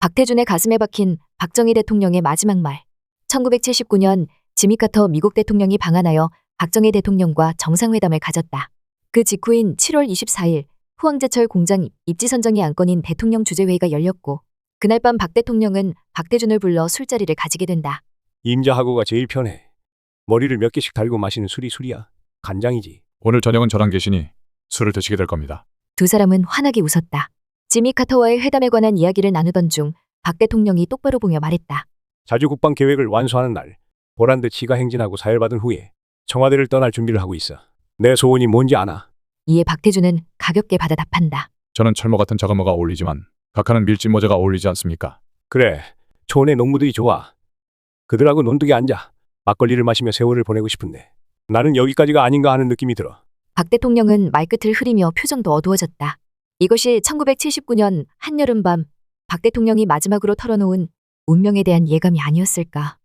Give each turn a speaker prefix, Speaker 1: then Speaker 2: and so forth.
Speaker 1: 박태준의 가슴에 박힌 박정희 대통령의 마지막 말. 1979년 지미 카터 미국 대통령이 방한하여 박정희 대통령과 정상회담을 가졌다. 그 직후인 7월 24일 후황제철 공장 입지 선정이 안건인 대통령 주재회의가 열렸고 그날 밤 박 대통령은 박태준을 불러 술자리를 가지게 된다.
Speaker 2: 임자하고가 제일 편해. 머리를 몇 개씩 달고 마시는 술이 술이야. 간장이지.
Speaker 3: 오늘 저녁은 저랑 계시니 술을 드시게 될 겁니다.
Speaker 1: 두 사람은 환하게 웃었다. 지미 카터와의 회담에 관한 이야기를 나누던 중 박 대통령이 똑바로 보며 말했다.
Speaker 2: 자주 국방 계획을 완수하는 날 보란듯 지가 행진하고 사열받은 후에 청와대를 떠날 준비를 하고 있어. 내 소원이 뭔지 아나?
Speaker 1: 이에 박태준은 가볍게 받아 답한다.
Speaker 3: 저는 철모 같은 자그마가 어울리지만 각하는 밀짚 모자가 어울리지 않습니까?
Speaker 2: 그래. 촌의 농부들이 좋아. 그들하고 논둑에 앉아 막걸리를 마시며 세월을 보내고 싶은데 나는 여기까지가 아닌가 하는 느낌이 들어.
Speaker 1: 박 대통령은 말끝을 흐리며 표정도 어두워졌다. 이것이 1979년 한여름밤 박 대통령이 마지막으로 털어놓은 운명에 대한 예감이 아니었을까.